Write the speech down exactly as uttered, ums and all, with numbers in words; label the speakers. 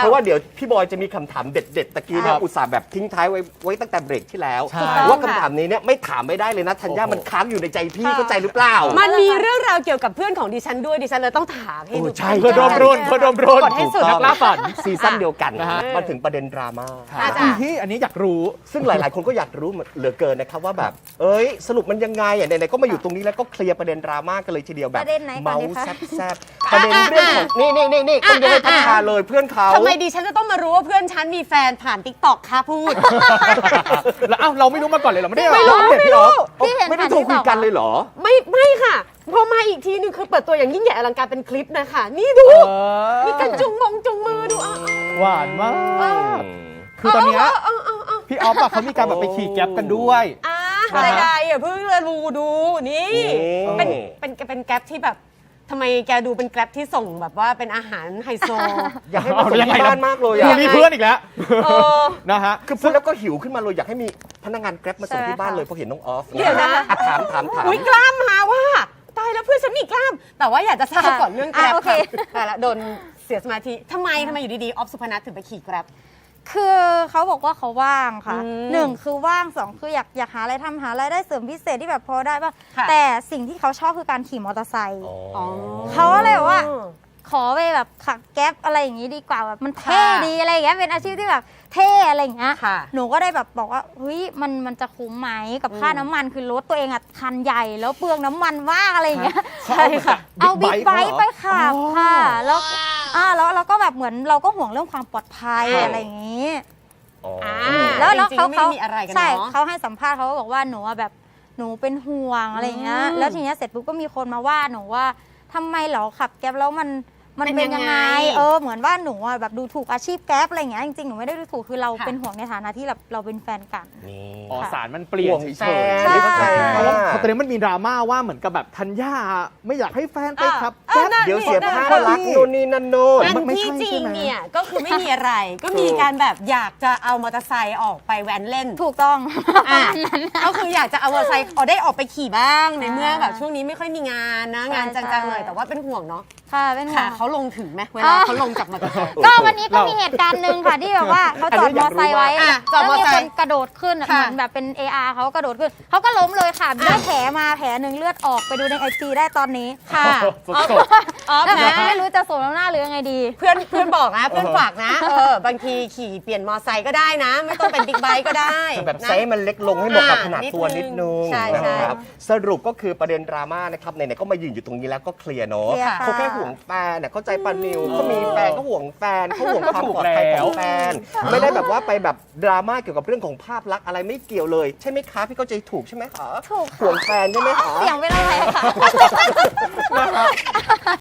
Speaker 1: เพราะว่าเดี๋ยวพี่บอยจะมีคำถามเด็ดๆตะกี้เนี่ยอุตส่าห์แบบทิ้งท้ายไว้ไว้ตั้งแต่เบรกที่แล้วว่าคำถามนี้เนี่ยไม่ถามไม่ได้เลยนะธัญญามันค้างอยู่ในใจพี่เข้าใจหรือเปล่า
Speaker 2: มันมีเรื่องราวเกี่ยวกับเพื่อนของดิฉันด้วยดิฉันเลยต้องถามให้ดู
Speaker 1: ใช่
Speaker 3: เพื่อดมรุ่นเพื่อดมรุ่น
Speaker 2: กดให้สุด
Speaker 3: นักล่าฝัน
Speaker 1: ซีซั่นเดียวกัน
Speaker 3: นะฮะ
Speaker 1: มาถึงประเด็นดราม่า
Speaker 3: ที่อันนี้อยากรู้
Speaker 1: ซึ่งหลายๆ คนก็อยากรู้เหลือเกินนะครับว่าแบบเอ้ยสรุปมันยังไงอ่ะไหนๆก็มาอยู่ตรงนี้แล้วก็เคลียร์ประเด็นดราม่ากันเลยทีเดียวแบบ
Speaker 4: ประเด็นไหนก่อน
Speaker 1: เมา
Speaker 4: ดี
Speaker 1: ส์
Speaker 4: คะ
Speaker 1: แซ่บๆประเด็นเรื่องของนี่นี่นี่นี่ต้องยกให้พัฒนาเลยเพื่อนเขา
Speaker 2: ทำไมดิฉันจะต้องมารู้ว่าเพื่อนฉันมีแฟนผ่านติ๊กต็อกคะพูด
Speaker 3: แล้วอ้าวเราไม่รู้มาก่อนเลยเหรอไม่ได้
Speaker 2: ไม่รู้
Speaker 3: อัปเดต
Speaker 2: ไม่
Speaker 3: พี่
Speaker 2: รู้
Speaker 3: อ๊อฟ
Speaker 4: พี่เห็น
Speaker 1: ไม่ได้
Speaker 4: ผ่าน
Speaker 1: โทร
Speaker 4: ที่
Speaker 1: คุย
Speaker 4: ต่อ
Speaker 1: กันเลยเหรอ
Speaker 2: ไม่ไม่ค่ะพอมาอีกทีนึงคือเปิดตัวอย่างยิ่งใหญ่อลังการเป็นคลิปนะคะนี่ดู
Speaker 3: เออ
Speaker 2: มีการจุงมงจุงมือดูอ่ะ
Speaker 3: หวานมาก คือตอนเนี้ยพี่ออฟอะเขามีการแบบไปขี่แก๊ปกันด้วย
Speaker 2: อ่ะ
Speaker 3: นะฮะ
Speaker 2: ใดๆอ่ะเพิ่งเลยดูดูนี่
Speaker 1: นี่
Speaker 2: เป็นเป็นเป็นแกร็บที่แบบทำไมแกดูเป็นแกร็บที่ส่งแบบว่าเป็นอาหารไฮโซ
Speaker 1: อยากให้มาส่งที่บ้านมากเลย
Speaker 3: คื
Speaker 1: อ่ะ
Speaker 3: อมีเพื่อนอีกแล้ว
Speaker 2: เออ
Speaker 3: นะฮะ
Speaker 1: คือพูดแล้วก็หิวขึ้นมาเลยอยากให้มีพนักงานแกร็บมาส่งที่บ้านเลยเพราะเห็นน้องออฟ
Speaker 2: เดี๋ยวนะ
Speaker 1: อ่ถามถามถาม
Speaker 2: อุ้ยกล้ามมาว่าตายแล้วเพื่อนฉันมีกล้าม แต่ว่าอยากจะทราบก่อนเรื่องแกร็บ
Speaker 4: อ่ะโอเค
Speaker 2: ค่ะแต่ละโดนเสียสมาธิทำไมทำไมอยู่ดีๆออฟสุพนัทถึงไปขี่แกร็บ
Speaker 4: คือเขาบอกว่าเขาว่างค่ะ
Speaker 2: อืม
Speaker 4: หนึ่งคือว่างสองคืออยากอยากหาอะไรทำหาอะไรายได้เสริมพิเศษที่แบบพอได้ป่ะ
Speaker 2: ค่ะ
Speaker 4: แต่สิ่งที่เขาชอบคือการขี่มอเตอร์ไซค์
Speaker 1: อ๋อ
Speaker 4: เขาก็เลยบอกว่า ขอไปแบบขับแก๊ปอะไรอย่างนี้ดีกว่าแบบมันเท่
Speaker 2: ค่ะ
Speaker 4: ดีอะไรอย่างเงี้ยเป็นอาชีพที่แบบเท่อะไรอย่างเงี้ย
Speaker 2: ค่ะ
Speaker 4: หนูก็ได้แบบบอกว่าเฮ้ยมันมันจะคุ้มไหมกับค่าน้ำมันคือรถตัวเองอะคันใหญ่แล้วเปลืองน้ำมันมากอะไรอย่างเงี้ย
Speaker 3: ใช่ค่ะ
Speaker 4: เอาบิ๊กไบค์
Speaker 3: เหรอ
Speaker 4: ไปขับ
Speaker 3: อ๋อ
Speaker 4: ค่ะแล้วอ่าแล้วเราก็แบบเหมือนเราก็ห่วงเรื่องความปลอดภัย
Speaker 1: ค่ะ
Speaker 4: อะไรอย่างนี้
Speaker 1: อ๋อ
Speaker 2: อ่า
Speaker 4: แล้วแล้ว
Speaker 2: จริงๆ
Speaker 4: เขา
Speaker 2: ไม่
Speaker 4: เขา
Speaker 2: ได้มีอะไรกัน
Speaker 4: ใช่
Speaker 2: เนาะ
Speaker 4: เขาให้สัมภาษณ์เขาก็บอกว่าหนูอะแบบหนูเป็นห่วงอะไรอย่างเงี้ย
Speaker 2: อืม
Speaker 4: แล้วทีเนี้ยเสร็จปุ๊บก็มีคนมาว่าหนูว่าทำไมเหรอขับแก๊ปแล้วมันมัน
Speaker 2: เป็น
Speaker 4: เป็น
Speaker 2: ยั
Speaker 4: ยัง ง
Speaker 2: ไง
Speaker 4: ไงเออเหมือนว่าหนูอะแบบดูถูกอาชีพแก๊ปอะไรอย่างเงี้ยจริงๆหนูไม่ได้ดูถูกคือเรา
Speaker 2: ค่ะ
Speaker 4: เป็นห่วงในฐานะที่แบบเราเป็นแฟนกัน
Speaker 1: นี่
Speaker 3: อ๋อ
Speaker 4: ค่ะ
Speaker 3: สารมันเปลี่ยน
Speaker 1: ห่วง
Speaker 3: เฉ
Speaker 1: แฟ
Speaker 3: ย
Speaker 1: น
Speaker 3: ๆ
Speaker 4: ใช่
Speaker 1: เข้าใจ
Speaker 3: เพราะว่า
Speaker 1: ค่ะ
Speaker 3: ตอนนี้มันมีดราม่าว่าเหมือนกับแบบธัญญาไม่อยากให้แฟนไปขับ
Speaker 2: อ่ะ
Speaker 3: แก๊ป
Speaker 2: นั่น
Speaker 1: เดี๋ยวเสียภาพ
Speaker 3: นั่น
Speaker 1: ลักษณ์โน่นนี่นั่นโน่น
Speaker 2: อัน
Speaker 3: ไม่
Speaker 2: ที่
Speaker 3: ใช่
Speaker 2: จริ
Speaker 3: ใช่
Speaker 2: ง
Speaker 3: ไหม
Speaker 2: เนี่ยก็คือไม่มีอะไร ก็มีการแบบอยากจะเอามอเตอร์ไซค์ออกไปแว้นเล่น
Speaker 4: ถูกต้อง
Speaker 2: อ่ะ
Speaker 4: นั้น
Speaker 2: ก็คืออยากจะเอามอเตอร์ไซค์เอาได้ออกไปขี่บ้างในเมื่อ
Speaker 4: อ่า
Speaker 2: แบบช่วงนี้ไม่ค่อยมีงานนะ
Speaker 4: ใช่
Speaker 2: งานจัง
Speaker 4: ใช่
Speaker 2: ๆหน่อยแต่ว่าเป็นห่วงเนาะ
Speaker 4: ค่ะเป็นห่ว
Speaker 2: ค่ะ
Speaker 4: ง
Speaker 2: เขาลงถึงไหมเว
Speaker 4: อ่า
Speaker 2: ลาเขาลงจากมอเตอร์ไซค์
Speaker 4: ก็วันนี้ก็มีเหตุการณ์หนึ่งค่ะที่แบบว่าเขาจอดมอไซค์ไว้
Speaker 2: อ่ะจอ
Speaker 4: แล้
Speaker 2: ด
Speaker 4: ว
Speaker 2: มอ
Speaker 4: มี
Speaker 2: ไซ
Speaker 4: ค
Speaker 2: ค์
Speaker 4: นกระโดดขึ้นอะ
Speaker 2: ค่ะ
Speaker 4: เหมือนแบบเป็น เอ อาร์ เขากระโดดขึ้นเขาก็ล้มเลยค่ะได้แผลมาแผลหนึ่งเลือดออกไปดูในไอจีได้ตอนนี้
Speaker 2: ค่ะ
Speaker 3: สดๆ
Speaker 2: ออฟ
Speaker 4: แล้ว
Speaker 2: นะ
Speaker 4: ไม่รู้จะสวมน้ำหน้าหรือยังไงดี
Speaker 2: เพื่อนเพื่อนบอกนะเพื่อนฝากนะเออบางทีขี่เปลี่ยนมอเตอร์ไซค์ก็ได้นะ ไม่ต้องเป็นบิ๊กไบค์ก็ได้
Speaker 1: แบบ
Speaker 2: นะ
Speaker 1: ไซส์มันเล็กลงให้เหมาะกับ
Speaker 2: อ่า
Speaker 1: ขนาดตัว
Speaker 2: นิ
Speaker 1: นิ
Speaker 2: ด
Speaker 1: ด
Speaker 2: นึ
Speaker 1: นึ
Speaker 2: ง
Speaker 1: ง
Speaker 2: ใช่
Speaker 1: นะ
Speaker 2: ใช่
Speaker 1: ครับสรุปก็คือประเด็นดราม่านะครับไหนๆก็มายืนอยู่ตรงนี้แล้วก็เคลียร์เนาะ
Speaker 4: เคลียร์ค่ะ
Speaker 1: เขาแค่ห่วงแฟนน่ะเข้าใจปานิวเขามีแฟนเขาห่วงแฟนเขาห่วงความปลอดภัยของแฟน ไม่ได้แบบว่าไปแบบดราม่าเกี่ยวกับเรื่องของภาพลักษณ์อะไรไม่เกี่ยวเลย ใช่ไหมคะพี่เข้าใจถูกใช่ไหมคะ
Speaker 4: ถูก
Speaker 1: ห่วงแฟนใช่ไหมคะ
Speaker 4: เสียงเป็นอะไรคะ